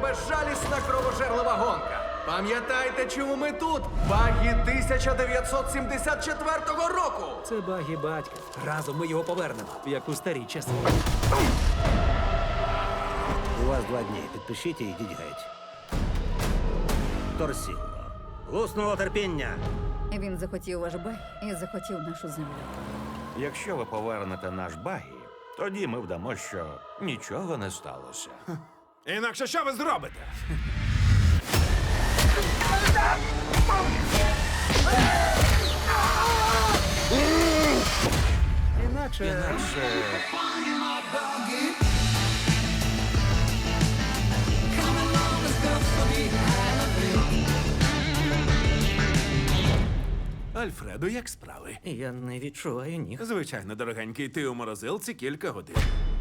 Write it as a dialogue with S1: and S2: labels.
S1: безжалісна кровожерлива гонка. Пам'ятайте, чому ми тут? Багі 1974 року!
S2: Це багі батька. Разом ми його повернемо, як у старі часи.
S3: У вас 2 дні. Підпишіть і йдіть геть. Торсіло. Луснуло терпіння.
S4: Він захотів ваш бай і захотів нашу землю.
S5: Якщо ви повернете наш багі, тоді ми вдамо, що нічого не сталося.
S6: Інакше що ви зробите?
S2: Інакше...
S6: Альфредо, як справи?
S2: Я не відчуваю ніг.
S6: Звичайно, дорогенький, ти у морозилці кілька годин.